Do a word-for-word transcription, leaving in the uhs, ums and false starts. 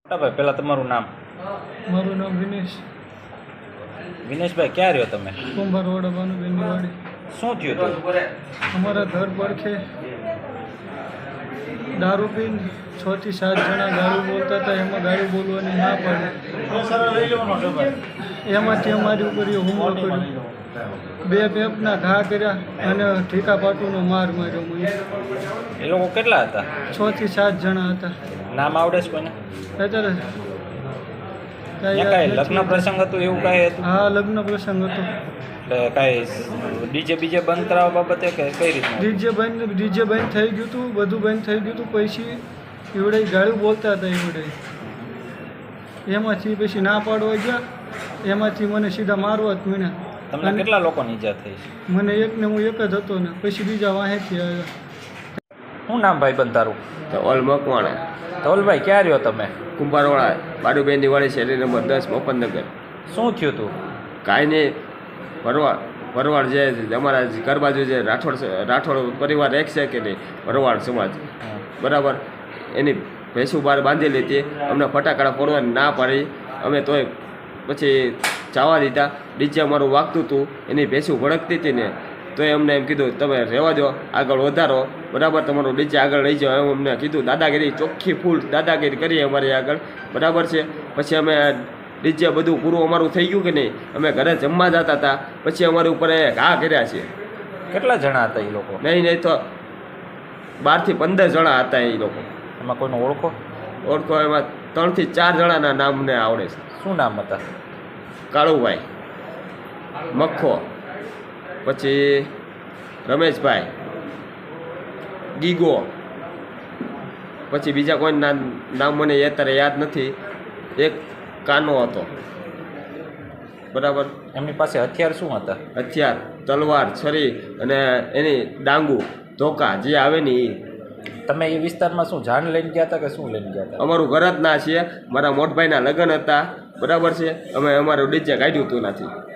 ભાઈ પહેલાં તમારું નામ? મારું નામ વિનેશ. વિનેશભાઈ ક્યાં રહ્યો તમે? કુંભાર રોડ ભાનુબેનની વાડી. શું થયું હતું? અમારા ઘર પડખે દારૂ પીને છ થી સાત જણા ગાળું બોલતા હતા. એમાં ગાળું બોલવાની ના પાડી. એમાંથી અમારી ઉપર એ હુમલો કર્યો. બે પેપના ઘા કર્યા અને ઠીકા પાટુનો માર માર્યો મને. એ લોકો કેટલા હતા? છ થી સાત જણા હતા. નામ આવડે છે કોઈને? અત્યારે ત્યાં કાંઈ લગ્ન પ્રસંગ હતું એવું કાંઈ હતું? હા, લગ્ન પ્રસંગ હતો. એટલે કાંઈ ડીજે બીજે બંધ કરાવવા બાબતે કે કઈ રીતના? ડીજે બંધ ડીજે બંધ થઈ ગયું હતું, બધું બંધ થઈ ગયું હતું. પછી એવડે ગાળું બોલતા હતા. એવડે એમાંથી પછી ના પાડવા ગયા. એમાંથી મને સીધા મારવા જ મીના. તમને કેટલા લોકોની ઈજા થઈ છે? મને એકને હું એક જ હતો ને પછી બીજા વાહેથી આવ્યા. શું નામ ભાઈ બંધ તારું? ધવલ મકવાણા. ધવલભાઈ ક્યાં રહ્યો તમે? કુંભારવાળા બાડુબેન દિવાળી શેરી નંબર દસ મફતનગર. શું થયું હતું? કાંઈ નહીં, ભરવાડ ભરવાડ જે અમારા ઘર બાજુ જે રાઠોડ રાઠોડ પરિવાર એક છે કે નહીં, ભરવાડ સમાજ બરાબર, એની ભેંસું બહાર બાંધેલી હતી. અમને ફટાકડા ફોડવાની ના પાડી. અમે તોય પછી જવા દીધા. ડીજે અમારું વાગતું હતું, એની ભેંસું ભડકતી હતી ને તો અમને એમ કીધું તમે રહેવા દો, આગળ વધારો બરાબર, તમારું ડીજે આગળ લઈ જાઓ એમ અમને કીધું. દાદાગીરી ચોખ્ખી ફૂલ દાદાગીરી કરીએ અમારી આગળ બરાબર છે. પછી અમે ડીજે બધું પૂરું અમારું થઈ ગયું કે નહીં, અમે ઘરે જમવા જતા હતા. પછી અમારી ઉપર એ ઘા કર્યા છે. કેટલા જણા હતા એ લોકો? નહીં નહીં તો બારથી પંદર જણા હતા એ લોકો. એમાં કોઈને ઓળખો? ઓળખો એમાં ત્રણથી ચાર જણાના નામ મને આવડે છે. શું નામ હતા? કાળુભાઈ, મખ્ખો, પછી રમેશભાઈ, ગીગો, પછી બીજા કોઈ નામ મને અત્યારે યાદ નથી. એક કાનો હતો બરાબર. એમની પાસે હથિયાર શું હતા? હથિયાર તલવાર, છરી અને એની ડાંગુ ધોકા જે આવે ને એ. તમે એ વિસ્તારમાં શું જાન લઈને ગયા હતા કે શું લઈને ગયા હતા? અમારું ઘર જ ના છીએ. મારા મોટભાઈના લગ્ન હતા બરાબર છે. અમે અમારું ડીજે કાઢ્યું હતું નથી.